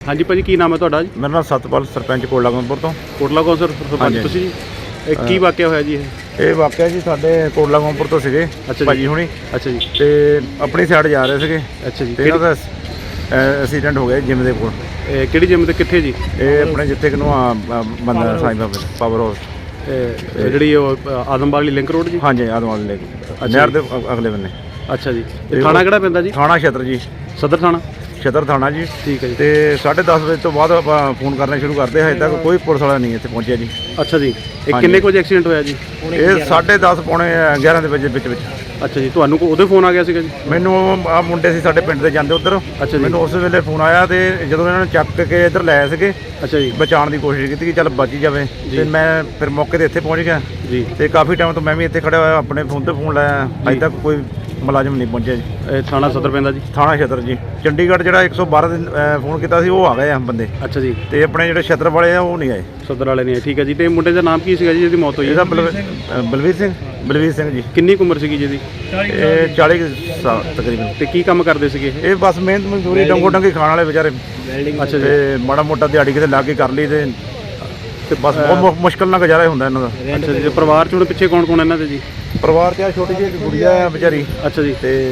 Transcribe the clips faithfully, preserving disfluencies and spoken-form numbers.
हाँ जी भाजी की नाम है ਤੁਹਾਡਾ ਜੀ? मेरा नाम सतपाल सरपंच कोटला गौंदपुर तो ਕੋਟਲਾ ਕੌਂਸਰ ਸਰਪੰਚ ਤੁਸੀਂ ਜੀ? ਇਹ ਕੀ ਵਾਕਿਆ ਹੋਇਆ ਜੀ ਇਹ? ਇਹ ਵਾਕਿਆ ਜੀ ਸਾਡੇ ਕੋਟਲਾ ਗੌਂਦपुर ਤੋਂ ਸੀਗੇ ਭਾਜੀ ਹੁਣੀ। ਅੱਛਾ ਜੀ। ਤੇ ਆਪਣੀ ਸਾਈਡ ਜਾ ਰਹੇ ਸੀਗੇ। ਅੱਛਾ ਜੀ। ਤੇ ਇਹਨਾਂ ਦਾ ਐਕਸੀਡੈਂਟ ਹੋ ਗਿਆ ਜਿਮ ਦੇ ਕੋਲ। ਇਹ ਕਿਹੜੀ ਜਿਮ ਤੇ ਕਿੱਥੇ ਜੀ? ਇਹ ਆਪਣੇ ਜਿੱਥੇ ਕਿ ਨੂੰ ਬੰਦਾ ਸਾਈਂ ਬਾਬਾ ਪਾਵਰ ਹਾਊਸ ਇਹ ਜਿਹੜੀ ਉਹ ਆਦਮਬਾਗ ਵਾਲੀ ਲਿੰਕ ਰੋਡ ਜੀ? ਹਾਂਜੀ ਆਦਮਬਾਗ ਲੈ ਨਹਿਰ ਦੇ ਅਗਲੇ ਬੰਨੇ। ਅੱਛਾ ਜੀ। ਤੇ ਥਾਣਾ ਕਿਹੜਾ ਪੈਂਦਾ ਜੀ? ਥਾਣਾ ਛਤਰ ਜੀ, ਸਦਰ ਥਾਣਾ ਛਤਰ ਥਾਣਾ ਜੀ। ਠੀਕ ਹੈ ਜੀ। ਤੇ ਸਾਢੇ ਦਸ ਵਜੇ ਤੋਂ ਬਾਅਦ ਆਪਾਂ ਫੋਨ ਕਰਨਾ ਸ਼ੁਰੂ ਕਰਦੇ, ਹਜੇ ਤੱਕ ਕੋਈ ਪੁਲਿਸ ਵਾਲਾ ਨਹੀਂ ਇੱਥੇ ਪਹੁੰਚਿਆ ਜੀ। ਅੱਛਾ ਜੀ। ਇਹ ਕਿੰਨੇ ਕੁ ਵਜੇ ਐਕਸੀਡੈਂਟ ਹੋਇਆ ਜੀ? ਇਹ ਸਾਢੇ ਦਸ ਪੌਣੇ ਗਿਆਰਾਂ ਦੇ ਵਜੇ ਵਿੱਚ ਵਿੱਚ। ਅੱਛਾ ਜੀ। ਤੁਹਾਨੂੰ ਉਹਦੇ ਫੋਨ ਆ ਗਿਆ ਸੀਗਾ ਜੀ? ਮੈਨੂੰ ਆ ਮੁੰਡੇ ਸੀ ਸਾਡੇ ਪਿੰਡ ਦੇ ਜਾਂਦੇ ਉੱਧਰ। ਅੱਛਾ ਜੀ। ਮੈਨੂੰ ਉਸ ਵੇਲੇ ਫੋਨ ਆਇਆ ਤੇ ਜਦੋਂ ਇਹਨਾਂ ਨੇ ਚੱਕ ਕੇ ਇੱਧਰ ਲਾਇਆ ਸੀਗੇ। ਅੱਛਾ ਜੀ। ਬਚਾਉਣ ਦੀ ਕੋਸ਼ਿਸ਼ ਕੀਤੀ ਕਿ ਚੱਲ ਬਚ ਹੀ ਜਾਵੇ। ਤੇ ਮੈਂ ਫਿਰ ਮੌਕੇ ਤੇ ਇੱਥੇ ਪਹੁੰਚ ਗਿਆ ਜੀ। ਤੇ ਕਾਫੀ ਟਾਈਮ ਤੋਂ ਮੈਂ ਵੀ ਇੱਥੇ ਖੜਿਆ ਹੋਇਆ, ਆਪਣੇ ਫੋਨ ਤੇ ਫੋਨ ਲਾਇਆ, ਅਜੇ ਤੱਕ ਕੋਈ ਮੁਲਾਜ਼ਮ ਨਹੀਂ ਪਹੁੰਚਿਆ ਜੀ। ਇਹ ਥਾਣਾ ਸਦਰ ਪੈਂਦਾ ਜੀ? ਥਾਣਾ ਛਤਰ ਜੀ। ਚੰਡੀਗੜ੍ਹ ਜਿਹੜਾ ਇੱਕ ਸੌ ਬਾਰਾਂ ਦੇ ਫੋਨ ਕੀਤਾ ਸੀ ਉਹ ਆ ਗਏ ਆ ਬੰਦੇ। ਅੱਛਾ ਜੀ। ਤੇ ਆਪਣੇ ਜਿਹੜੇ ਛਤਰ ਵਾਲੇ ਆ ਉਹ ਨਹੀਂ ਆਏ। ਸਦਰ ਵਾਲੇ ਨਹੀਂ ਆਏ। ਠੀਕ ਹੈ ਜੀ। ਤੇ ਮੁੰਡੇ ਦਾ ਨਾਮ ਕੀ ਸੀਗਾ ਜੀ ਜਿਹਦੀ ਮੌਤ ਹੋਈ? ਇਹਦਾ ਬਲਵੀਰ ਸਿੰਘ। ਬਲਵੀਰ ਸਿੰਘ ਜੀ। ਕਿੰਨੀ ਕੁ ਉਮਰ ਸੀਗੀ ਜਿਹਦੀ? ਇਹ ਚਾਲੀ ਸਾਲ ਤਕਰੀਬਨ। ਤੇ ਕੀ ਕੰਮ ਕਰਦੇ ਸੀਗੇ ਇਹ? ਇਹ ਬਸ ਮਿਹਨਤ ਮਜ਼ਦੂਰੀ ਡੰਗੋ ਡੰਗੀ ਖਾਣ ਵਾਲੇ ਵਿਚਾਰੇ। ਅੱਛਾ ਜੀ। ਤੇ ਮਾੜਾ ਮੋਟਾ ਦਿਹਾੜੀ ਕਿਤੇ ਲਾ ਕੇ ਕਰ ਲਈ ਤੇ ਤੇ ਬਸ ਬਹੁਤ ਮੁਸ਼ਕਲ ਨਾਲ ਗੁਜ਼ਾਰਾ ਹੁੰਦਾ ਇਹਨਾਂ ਦਾ। ਅੱਛਾ ਜੀ। ਪਰਿਵਾਰ ਚ ਹੁਣ ਪਿੱਛੇ ਕੌਣ ਕੌਣ ਇਹਨਾਂ ਦੇ ਜੀ? ਪਰਿਵਾਰ 'ਚ ਆ ਛੋਟੀ ਜਿਹੀ ਗੁੜੀਆ ਆ ਵਿਚਾਰੀ। ਅੱਛਾ ਜੀ। ਤੇ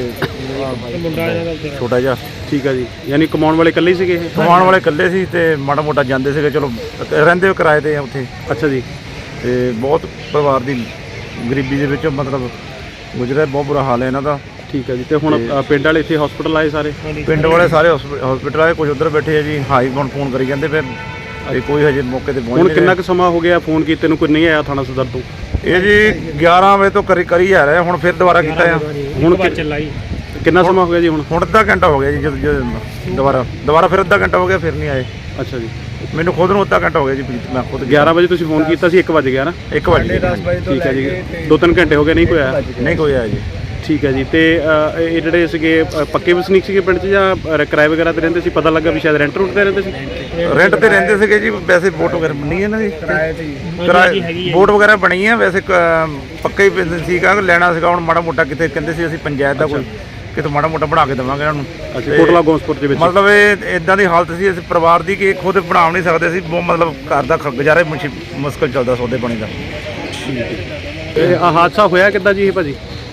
ਛੋਟਾ ਜਿਹਾ। ਠੀਕ ਹੈ ਜੀ। ਯਾਨੀ ਕਮਾਉਣ ਵਾਲੇ ਇਕੱਲੇ ਹੀ ਸੀਗੇ ਇਹ? ਕਮਾਉਣ ਵਾਲੇ ਇਕੱਲੇ ਸੀ ਤੇ ਮਾੜਾ ਮੋਟਾ ਜਾਂਦੇ ਸੀਗੇ, ਚਲੋ ਰਹਿੰਦੇ ਕਿਰਾਏ ਤੇ ਆ ਉੱਥੇ। ਅੱਛਾ ਜੀ। ਤੇ ਬਹੁਤ ਪਰਿਵਾਰ ਦੀ ਗਰੀਬੀ ਦੇ ਵਿੱਚੋਂ ਮਤਲਬ ਗੁਜ਼ਰਿਆ, ਬਹੁਤ ਬੁਰਾ ਹਾਲ ਹੈ ਇਹਨਾਂ ਦਾ। ਠੀਕ ਹੈ ਜੀ। ਤੇ ਹੁਣ ਪਿੰਡ ਵਾਲੇ ਇੱਥੇ ਹਸਪੀਟਲ ਆਏ ਸਾਰੇ? ਪਿੰਡ ਵਾਲੇ ਸਾਰੇ ਹਸਪੀਟਲ ਆਏ, ਕੁਝ ਉੱਧਰ ਬੈਠੇ ਆ ਜੀ। ਹਾਈ ਹੁਣ ਫੋਨ ਕਰੀ ਜਾਂਦੇ ਫਿਰ ਤੇ ਕੋਈ ਹਜੇ ਮੌਕੇ ਤੇ ਪਹੁੰਚ ਹੁਣ ਕਿੰਨਾ ਕੁ ਸਮਾਂ ਹੋ ਗਿਆ ਫੋਨ ਕੀਤੇ ਨੂੰ, ਕੋਈ ਨਹੀਂ ਆਇਆ ਥਾਣਾ ਸਦਰ ਤੋਂ? ਇਹ ਜੀ ਗਿਆਰਾਂ ਵਜੇ ਤੋਂ ਕਰੀ ਕਰੀ ਆ ਰਿਹਾ, ਹੁਣ ਫਿਰ ਦੁਬਾਰਾ ਕੀਤਾ ਆ। ਹੁਣ ਕਿੰਨਾ ਸਮਾਂ ਹੋ ਗਿਆ ਜੀ? ਹੁਣ ਹੁਣ ਅੱਧਾ ਘੰਟਾ ਹੋ ਗਿਆ ਜੀ। ਜਦੋਂ ਜਦੋਂ ਦੁਬਾਰਾ ਦੁਬਾਰਾ ਫਿਰ ਅੱਧਾ ਘੰਟਾ ਹੋ ਗਿਆ, ਫਿਰ ਨਹੀਂ ਆਏ। ਅੱਛਾ ਜੀ। ਮੈਨੂੰ ਖੁਦ ਨੂੰ ਅੱਧਾ ਘੰਟਾ ਹੋ ਗਿਆ ਜੀ। ਮੈਂ ਖੁਦ ਗਿਆਰਾਂ ਵਜੇ ਤੁਸੀਂ ਫੋਨ ਕੀਤਾ ਸੀ, ਇੱਕ ਵਜ ਗਿਆ ਨਾ? ਇੱਕ ਵਜੇ। ਠੀਕ ਹੈ ਜੀ। ਦੋ ਤਿੰਨ ਘੰਟੇ ਹੋ ਗਏ, ਨਹੀਂ ਕੋਈ ਆਇਆ? ਨਹੀਂ ਕੋਈ ਆਇਆ ਜੀ। ਠੀਕ ਹੈ ਜੀ। ਤੇ ਇਹ ਜਿਹੜੇ ਸੀਗੇ ਪੱਕੇ ਵਸਨੀਕ ਸੀਗੇ ਪਿੰਡ 'ਚ ਜਾਂ ਕਿਰਾਏ ਵਗੈਰਾ ਤੇ ਰਹਿੰਦੇ ਸੀ? ਪਤਾ ਲੱਗਾ ਵੀ ਸ਼ਾਇਦ ਰੈਂਟ ਰੂਟ ਤੇ ਰਹਿੰਦੇ ਸੀ? ਰੈਂਟ ਤੇ ਰਹਿੰਦੇ ਸੀਗੇ ਜੀ। ਵੈਸੇ ਵੋਟ ਵਗੈਰਾ ਬਣੀ ਹੈ ਇਹਨਾਂ ਦੀ, ਕਿਰਾਏ ਵੋਟ ਵਗੈਰਾ ਬਣੀ ਹੈ। ਵੈਸੇ ਪੱਕਾ ਹੀ ਪਿੰਡ ਸੀਗਾ, ਲੈਣਾ ਸੀਗਾ। ਹੁਣ ਮਾੜਾ ਮੋਟਾ ਕਿਤੇ ਕਹਿੰਦੇ ਸੀ ਅਸੀਂ ਪੰਚਾਇਤ ਦਾ ਕੋਈ ਕਿਤੇ ਮਾੜਾ ਮੋਟਾ ਬਣਾ ਕੇ ਦੇਵਾਂਗੇ ਇਹਨਾਂ ਨੂੰ। ਅੱਛਾ। ਕੋਟਲਾ ਗੌਂਸਪੁਰ ਦੇ ਵਿੱਚ ਮਤਲਬ ਇਹ ਇਦਾਂ ਦੀ ਹਾਲਤ ਸੀ ਇਸ ਪਰਿਵਾਰ ਦੀ ਕਿ ਖੁਦ ਬਣਾ ਨਹੀਂ ਸਕਦੇ ਸੀ। ਬਹੁਤ ਮਤਲਬ ਘਰ ਦਾ ਗੁਜ਼ਾਰਾ ਮੁਸ਼ਕਲ ਚੱਲਦਾ, ਸੌਦੇ ਪਾਣੀ ਦਾ। ਇਹ ਹਾਦਸਾ ਹੋਇਆ ਕਿੱਦਾਂ ਜੀ ਇਹ ਭਾਜੀ?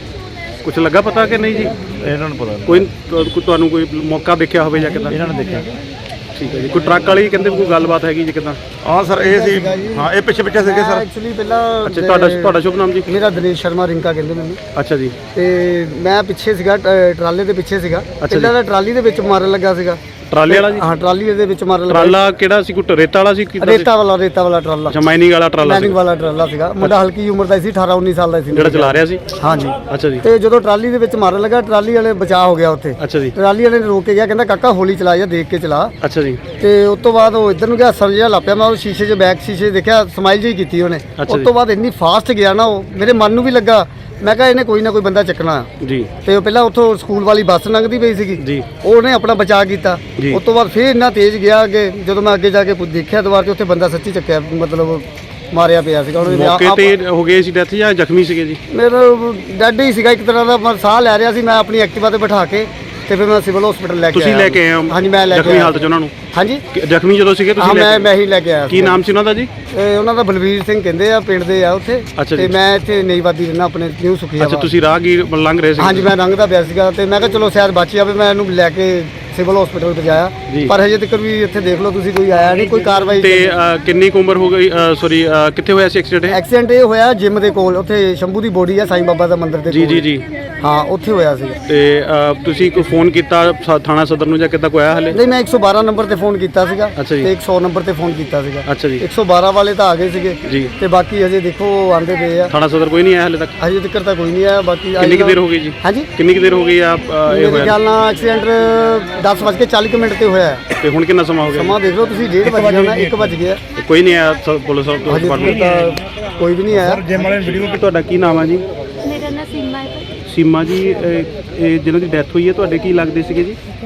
ਕੁਛ ਲੱਗਾ ਪਤਾ ਕਿ ਨਹੀਂ ਜੀ? ਇਹਨਾਂ ਨੂੰ ਪਤਾ ਕੋਈ ਤੁਹਾਨੂੰ ਕੋਈ ਮੌਕਾ ਦੇਖਿਆ ਹੋਵੇ ਜਾਂ ਕਿੱਦਾਂ? ਇਹਨਾਂ ਨੇ ਦੇਖਿਆ। ਠੀਕ ਹੈ ਜੀ। ਕੋਈ ਟਰੱਕ ਵਾਲੀ ਕਹਿੰਦੇ ਕੋਈ ਗੱਲਬਾਤ ਹੈਗੀ ਜੀ ਕਿੱਦਾਂ? ਹਾਂ ਸਰ, ਇਹ ਸੀ। ਹਾਂ, ਇਹ ਪਿੱਛੇ ਪਿੱਛੇ ਸੀਗੇ ਸਰ। ਐਕਚੁਅਲੀ ਪਹਿਲਾਂ ਅੱਛਾ। ਤੁਹਾਡਾ ਤੁਹਾਡਾ ਸ਼ੁਭ ਨਾਮ ਜੀ? ਮੇਰਾ ਦਿਨੇਸ਼ ਸ਼ਰਮਾ, ਰਿੰਕਾ ਕਹਿੰਦੇ ਮੈਨੂੰ। ਅੱਛਾ ਜੀ। ਤੇ ਮੈਂ ਪਿੱਛੇ ਸੀਗਾ, ਟਰਾਲੇ ਦੇ ਪਿੱਛੇ ਸੀਗਾ। ਪਹਿਲਾਂ ਤਾਂ ਟਰਾਲੀ ਦੇ ਵਿੱਚ ਮਾਰਨ ਲੱਗਾ ਸੀਗਾ। ਟਰਾਲੇ ਵਾਲਾ ਜੀ? ਹਾਂ, ਟਰਾਲੀ ਦੇ ਵਿੱਚ ਮਾਰਨ ਲੱਗਾ। ਟਰਾਲਾ ਕਿਹੜਾ ਸੀ? ਕੋਈ ਰੇਤਾ ਵਾਲਾ ਸੀ? ਰੇਤਾ ਵਾਲਾ ਰੇਤਾ ਵਾਲਾ ਟਰਾਲਾ। ਅੱਛਾ। ਮਾਈਨਿੰਗ ਵਾਲਾ ਟਰਾਲਾ ਸੀ? ਮਾਈਨਿੰਗ ਵਾਲਾ ਟਰਾਲਾ ਸੀਗਾ। ਮੁੰਡਾ ਹਲਕੀ ਉਮਰ ਦਾ ਸੀ, ਅਠਾਰਾਂ ਉੱਨੀ ਸਾਲ ਦਾ ਸੀ ਜਿਹੜਾ ਚਲਾ ਰਿਹਾ ਸੀ? ਹਾਂਜੀ। ਅੱਛਾ ਜੀ। ਤੇ ਜਦੋਂ ਟਰਾਲੀ ਦੇ ਵਿੱਚ ਮਾਰਨ ਲੱਗਾ, ਟਰਾਲੀ ਵਾਲੇ ਬਚਾਅ ਹੋ ਗਿਆ ਉੱਥੇ। ਅੱਛਾ ਜੀ। ਟਰਾਲੀ ਵਾਲੇ ਨੇ ਰੋਕ ਕੇ ਗਿਆ, ਕਹਿੰਦਾ ਕਾਕਾ ਹੌਲੀ ਚਲਾ ਜਾ, ਦੇਖ ਕੇ ਚਲਾ। ਅੱਛਾ ਜੀ। ਤੇ ਉਸ ਤੋਂ ਬਾਅਦ ਉਹ ਇੱਧਰ ਨੂੰ ਗਿਆ, ਸਰ ਜਿਹਾ ਲਾਪਿਆ। ਮੈਂ ਉਹ ਸ਼ੀਸ਼ੇ 'ਚ ਬੈਕ ਸ਼ੀਸ਼ੇ ਦੇਖਿਆ, ਸਮਾਈਲ ਜਿਹੀ ਕੀਤੀ ਉਹਨੇ। ਉਸ ਤੋਂ ਬਾਅਦ ਇੰਨੀ ਫਾਸਟ ਗਿਆ ਨਾ ਉਹ, ਮੇਰੇ ਮਨ ਨੂੰ ਵੀ ਲੱਗਾ। ਮੈਂ ਕਿਹਾ ਇਹਨੇ ਕੋਈ ਨਾ ਕੋਈ ਬੰਦਾ ਚੱਕਣਾ ਜੀ। ਤੇ ਉਹ ਪਹਿਲਾਂ ਉੱਥੋਂ ਸਕੂਲ ਵਾਲੀ ਬੱਸ ਲੰਘਦੀ ਪਈ ਸੀਗੀ ਜੀ। ਉਹਨੇ ਆਪਣਾ ਬਚਾਅ ਕੀਤਾ। ਉਸ ਤੋਂ ਬਾਅਦ ਫਿਰ ਇੰਨਾ ਤੇਜ਼ ਗਿਆ ਅੱਗੇ, ਜਦੋਂ ਮੈਂ ਅੱਗੇ ਜਾ ਕੇ ਦੇਖਿਆ ਦੁਬਾਰਾ ਤੇ ਉੱਥੇ ਬੰਦਾ ਸੱਚੀ ਚੱਕਿਆ, ਮਤਲਬ ਮਾਰਿਆ ਪਿਆ ਸੀਗਾ। ਉਹਨੇ ਮੌਕੇ ਤੇ ਹੋ ਗਏ ਸੀ ਡੈਥ ਜਾਂ ਜ਼ਖਮੀ ਸੀਗੇ ਜੀ? ਮੇਰਾ ਡੈਡ ਹੀ ਸੀਗਾ ਇੱਕ ਤਰ੍ਹਾਂ ਦਾ। ਮੈਂ ਸਾਹ ਲੈ ਰਿਹਾ ਸੀ। ਮੈਂ ਆਪਣੀ ਐਕਟਿਵਾ ਤੇ ਬਿਠਾ ਕੇ ਤੇ ਫਿਰ ਮੈਂ ਸਿਵਲ ਹਸਪੀਟਲ ਲੈ ਕੇ ਤੁਸੀਂ ਲੈ ਕੇ ਆਏ ਹੋ? ਹਾਂਜੀ, ਮੈਂ ਲੈ ਕੇ ਜ਼ਖਮੀ ਹਾਲਤ 'ਚ ਉਹਨਾਂ ਨੂੰ? ਹਾਂਜੀ। ਜ਼ਖਮੀ ਜਦੋਂ ਸੀਗੇ ਤੁਸੀਂ? ਹਾਂ, ਮੈਂ ਮੈਂ ਹੀ ਲੈ ਕੇ ਆਇਆ। ਕੀ ਨਾਮ ਸੀ ਉਹਨਾਂ ਦਾ ਜੀ? ਉਹਨਾਂ ਦਾ ਬਲਵੀਰ ਸਿੰਘ ਕਹਿੰਦੇ ਆ, ਪਿੰਡ ਦੇ ਆ ਉੱਥੇ। ਤੇ ਮੈਂ ਇੱਥੇ ਨਈਵਾਦੀ ਰਹਿਣਾ, ਆਪਣੇ ਨਿਊ ਸੁਖੀਆ। ਅੱਛਾ। ਤੁਸੀਂ ਰਾਹਗੀਰ ਲੰਘ ਰਹੇ ਸੀ? ਹਾਂਜੀ, ਮੈਂ ਲੰਘਦਾ ਪਿਆ ਸੀਗਾ ਤੇ ਮੈਂ ਕਿਹਾ ਚਲੋ ਸ਼ਾਇਦ ਬਚ ਜਾਵੇ। ਮੈਂ ਇਹਨੂੰ ਲੈ ਕੇ ਸਿਵਲ ਹਸਪੀਟਲ ਪਹੁੰਚਾਇਆ, ਪਰ ਹਜੇ ਤੱਕ ਵੀ ਇੱਥੇ ਦੇਖ ਲਓ ਤੁਸੀਂ, ਕੋਈ ਆਇਆ ਨਹੀਂ, ਕੋਈ ਕਾਰਵਾਈ। ਤੇ ਕਿੰਨੀ ਕੁ ਉਮਰ ਹੋ ਗਈ? ਸੌਰੀ, ਕਿੱਥੇ ਹੋਇਆ ਸੀ ਐਕਸੀਡੈਂਟ? ਐਕਸੀਡੈਂਟ ਇਹ ਹੋਇਆ ਜਿਮ ਦੇ ਕੋਲ, ਉੱਥੇ ਸ਼ੰਭੂ ਦੀ ਬੋਡੀ ਆ ਸਾਈਂ ਬਾਬਾ ਦਾ ਮੰਦਿਰ ਦੇ ਕੋਲ। ਜੀ ਜੀ ਜੀ। ਹਾਂ, ਉੱਥੇ ਹੋਇਆ ਸੀ। ਤੇ ਤੁਸੀਂ ਕੋਈ ਫੋਨ ਕੀਤਾ ਥਾਣਾ ਸਦਰ ਨੂੰ ਜਾਂ ਕਿੱਦਾਂ ਕੋਈ ਆਇਆ ਹਲੇ? ਨਹੀਂ, ਮੈਂ ਇੱਕ ਸੌ ਬਾਰਾਂ ਨੰਬਰ ਤੇ ਫੋਨ ਕੀਤਾ ਸੀਗਾ ਤੇ ਇੱਕ ਸੌ ਨੰਬਰ ਤੇ ਫੋਨ ਕੀਤਾ ਸੀਗਾ। ਅੱਛਾ ਜੀ। ਇੱਕ ਸੌ ਬਾਰਾਂ ਵਾਲੇ ਤਾਂ ਆ ਗਏ ਸੀਗੇ ਜੀ। ਤੇ ਬਾਕੀ ਹਜੇ ਦੇਖੋ ਆਂਦੇ ਪਏ ਆ। ਥਾਣਾ ਸਦਰ ਕੋਈ ਨਹੀਂ ਆਇਆ ਹਲੇ ਤੱਕ? ਹਜੇ ਤੱਕ ਤਾਂ ਕੋਈ ਨਹੀਂ ਆਇਆ। ਬਾਕੀ ਕਿੰਨੀ ਕੁ ਦੇਰ ਹੋ ਗਈ ਜੀ? ਹਾਂਜੀ, ਕਿੰਨੀ ਕੁ ਦੇਰ ਹੋ ਗਈ ਆ ਇਹ ਮੇਰੇ ਖਿਆਲ ਨਾਲ ਐਕਸੀਡੈਂਟ ਦਸ ਵੱਜ ਕੇ ਚਾਲੀ ਮਿੰਟ ਤੇ ਹੋਇਆ। ਤੇ ਹੁਣ ਕਿੰਨਾ ਸਮਾਂ ਹੋ ਗਿਆ? ਸਮਾਂ ਦੇਖ ਲਓ ਤੁਸੀਂ, ਡੇਢ ਵਜ ਗਿਆ, ਇੱਕ ਵਜ ਗਿਆ। ਕੋਈ ਨਹੀਂ ਆਇਆ ਪੁਲਿਸ ਡਿਪਾਰਟਮੈਂਟ? ਕੋਈ ਵੀ ਨਹੀਂ ਆਇਆ। ਜਿਮ ਵਾਲੇ ਵੀਡੀਓ। ਤੁਹਾਡਾ ਕੀ ਨਾਮ ਹੈ ਜੀ? ਮੇਰਾ ਨਾਮ ਸੀਮਾ ਹੈ। ਸੀਮਾ ਜੀ, ਇਹ ਜਿਹਨਾਂ ਦੀ ਡੈਥ ਹੋਈ ਹੈ ਤੁਹਾਡੇ ਕੀ ਲੱਗਦੇ ਸੀਗੇ ਜੀ? ਮੇਰੇ ਘਰ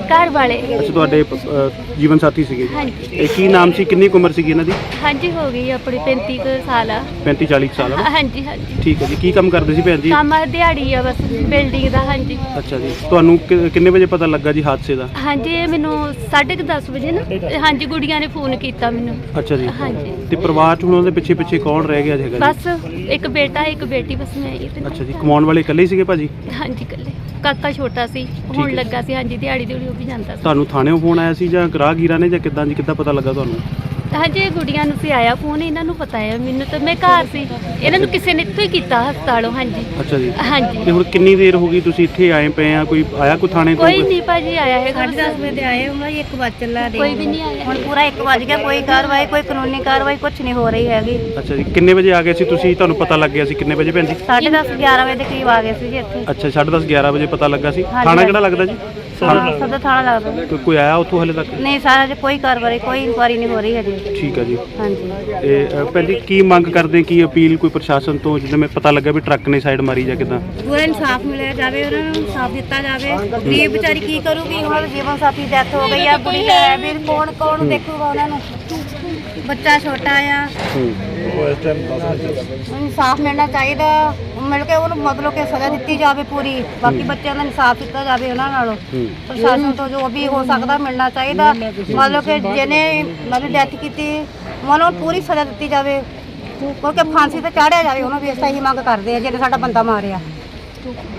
ਘਰ ਵਾਲੇ। ਅੱਛਾ ਤੁਹਾਡੇ ਅ, ਜੀਵਨ ਸਾਥੀ ਸੀਗੇ ਜੀ। ਹਾਂਜੀ ਇਹ ਕੀ ਨਾਮ ਸੀ, ਕਿੰਨੀ ਕੁ ਉਮਰ ਸੀਗੀ ਇਹਨਾਂ ਦੀ? ਹਾਂਜੀ ਹੋ ਗਈ ਆਪਣੀ ਪੈਂਤੀ ਕੁ ਸਾਲ ਆ। ਪੈਂਤੀ ਚਾਲੀ ਕੁ ਸਾਲ ਆ ਨਾ? ਹਾਂਜੀ ਹਾਂਜੀ ਠੀਕ ਹੈ ਜੀ। ਕੀ ਕੰਮ ਕਰਦੇ ਸੀ ਭੈਣ ਜੀ? ਕੰਮ ਆ ਦਿਹਾੜੀ ਆ ਬਸ ਬਿਲਡਿੰਗ ਦਾ। ਹਾਂਜੀ ਅੱਛਾ ਜੀ। ਤੁਹਾਨੂੰ ਕਿ- ਕਿੰਨੇ ਵਜੇ ਪਤਾ ਲੱਗਾ ਜੀ ਹਾਦਸੇ ਦਾ? ਹਾਂਜੀ ਇਹ ਮੈਨੂੰ ਸਾਢੇ ਕੁ ਦਸ ਵਜੇ ਨਾ ਹਾਂਜੀ ਗੁੜੀਆਂ ਨੇ ਫੋਨ ਕੀਤਾ ਮੈਨੂੰ। ਅੱਛਾ ਜੀ। ਹਾਂਜੀ ਤੇ ਪਰਿਵਾਰ ਚ ਹੁਣ ਉਹਦੇ ਪਿੱਛੇ ਪਿੱਛੇ ਕੌਣ ਰਹਿ ਗਿਆ ਹੈਗਾ ਜੀ? ਬਸ ਇੱਕ ਬੇਟਾ ਇੱਕ ਬੇਟੀ, ਬਸ ਮੈਂ ਹੀ ਤੇ। ਅੱਛਾ ਜੀ। ਕਮਾਉਣ ਵਾਲੇ ਇਕੱਲੇ ਹੀ ਸੀਗੇ ਭਾਜੀ? ਹਾਂਜੀ ਇਕੱਲੇ। ਕਾਕਾ ਛੋਟਾ ਸੀ, ਹੁਣ ਹੈ। ਲੱਗਾ ਸੀ। ਹਾਂਜੀ ਦਿਹਾੜੀ ਦਿਹੜੀ ਉਹ ਵੀ ਜਾਂਦਾ ਸੀ। ਤੁਹਾਨੂੰ ਥਾਣੇੋਂ ਫੋਨ ਆਇਆ ਸੀ ਜਾਂ ਗ੍ਰਾਹਕੀਰਾਂ ਨੇ ਜਾਂ ਕਿੱਦਾਂ ਜੀ, ਕਿੱਦਾਂ ਪਤਾ ਲੱਗਾ ਤੁਹਾਨੂੰ? ਹਾਂਜੀ ਇਹ ਗੁੜੀਆਂ ਨੂੰ ਸੀ ਆਇਆ ਫੋਨ, ਇਹਨਾਂ ਨੂੰ ਪਤਾ ਹੈ, ਮੈਨੂੰ ਤਾਂ ਮੈਂ ਘਰ ਸੀ। ਇਹਨਾਂ ਨੂੰ ਕਿਸੇ ਨੇ ਇੱਥੋਂ ਹੀ ਕੀਤਾ ਹਸਪਤਾਲੋਂ। ਹਾਂਜੀ ਅੱਛਾ ਜੀ। ਹਾਂਜੀ ਤੇ ਹੁਣ ਕਿੰਨੀ ਦੇਰ ਹੋ ਗਈ ਤੁਸੀਂ ਇੱਥੇ ਆਏ ਪਏ ਆ? ਕੋਈ ਆਇਆ ਕੋਈ ਥਾਣੇ ਤੋਂ? ਕੋਈ ਨਹੀਂ ਭਾਜੀ ਆਇਆ ਹੈਗਾ। ਸਾਢੇ ਦਸ ਵਜੇ ਤੇ ਆਏ ਉਹਨਾਂ ਇੱਕ ਵੱਜ ਚੱਲਾ ਦੇ ਕੋਈ ਵੀ ਨਹੀਂ ਆਇਆ। ਹੁਣ ਪੂਰਾ ਇੱਕ ਵੱਜ ਗਿਆ, ਕੋਈ ਕਾਰਵਾਈ ਕੋਈ ਕਾਨੂੰਨੀ ਕਾਰਵਾਈ ਕੁਝ ਨਹੀਂ ਹੋ ਰਹੀ ਹੈਗੀ। ਅੱਛਾ ਜੀ। ਕਿੰਨੇ ਵਜੇ ਆ ਗਏ ਸੀ ਤੁਸੀਂ? ਤੁਹਾਨੂੰ ਪਤਾ ਲੱਗ ਗਿਆ ਸੀ ਕਿੰਨੇ ਵਜੇ ਭੈਣ ਜੀ? ਸਾਢੇ ਦਸ ਗਿਆਰਾਂ ਵਜੇ ਦੇ ਕਰੀਬ ਆ ਗਏ ਸੀ ਜੀ ਇੱਥੇ। ਅੱਛਾ ਸਾਢੇ ਦਸ ਗਿਆਰਾਂ ਵਜੇ ਪਤਾ ਲੱਗਾ ਸੀ। ਹਾਂਜੀ, ਥਾਣਾ ਕਿਹੜਾ ਲੱਗਦਾ ਜੀ? ਸਦਾ ਥਾਣਾ ਲੱਗਦਾ। ਕੋਈ- ਕੋਈ ਆਇਆ ਉੱਥੋਂ ਹਲੇ ਤੱਕ? ਨਹੀਂ ਸਾਰਾ ਜੇ ਕੋਈ ਕਾਰਵਾਈ ਕੋਈ ਇਨਕੁਆਰੀ ਨਹੀਂ ਹੋ ਰਹੀ ਹੈਗੀ। ਠੀਕ ਹੈ ਜੀ। ਹਾਂਜੀ ਤੇ ਅ, ਭੈਣ ਜੀ ਕੀ ਮੰਗ ਕਰਦੇ, ਕੀ ਅਪੀਲ ਕੋਈ ਪ੍ਰਸ਼ਾਸਨ ਤੋਂ? ਜਿੱਦਾਂ ਮੈਂ ਪਤਾ ਲੱਗਾ ਵੀ ਟਰੱਕ ਨੇ ਸਾਈਡ ਮਾਰੀ ਜਾਂ ਕਿੱਦਾਂ? ਪੂਰਾ ਇਨਸਾਫ ਮਿਲਿਆ ਜਾਵੇ, ਉਹਨਾਂ ਨੂੰ ਇਨਸਾਫ ਦਿੱਤਾ ਜਾਵੇ। ਗਰੀਬ ਵਿਚਾਰੀ ਕੀ ਕਰੂਗੀ? ਉਹਨਾਂ ਦੇ ਜੀਵਨ ਸਾਥੀ ਡੈਥ ਹੋ ਗਈ ਆ, ਬੁੜੀ ਹੈ ਵੀ ਕੌਣ ਕੌਣ ਦੇਖੂਗਾ ਉਹਨਾਂ ਨੂੰ? ਬੱਚਾ ਛੋਟਾ ਆ। ਇਨਸਾਫ ਮਿਲਣਾ ਚਾਹੀਦਾ, ਮਿਲ ਕੇ ਉਹਨੂੰ ਮਤਲਬ ਕਿ ਸਜ਼ਾ ਦਿੱਤੀ ਜਾਵੇ ਪੂਰੀ। ਬਾਕੀ ਬੱਚਿਆਂ ਦਾ ਇਨਸਾਫ ਦਿੱਤਾ ਜਾਵੇ ਉਹਨਾਂ ਨਾਲੋਂ। ਪ੍ਰਸ਼ਾਸਨ ਤੋਂ ਜੋ ਵੀ ਹੋ ਸਕਦਾ ਮਿਲਣਾ ਚਾਹੀਦਾ। ਮਤਲਬ ਕਿ ਜਿਹਨੇ ਮਤਲਬ ਡੈਥ ਕੀਤੀ ਉਹਨੂੰ ਪੂਰੀ ਸਜ਼ਾ ਦਿੱਤੀ ਜਾਵੇ, ਕਿਉਂਕਿ ਫਾਂਸੀ ਤੇ ਚਾੜਿਆ ਜਾਵੇ ਉਹਨੂੰ ਵੀ। ਅਸੀਂ ਇਹੀ ਮੰਗ ਕਰਦੇ ਆ ਜਿਹਨੇ ਸਾਡਾ ਬੰਦਾ ਮਾਰਿਆ।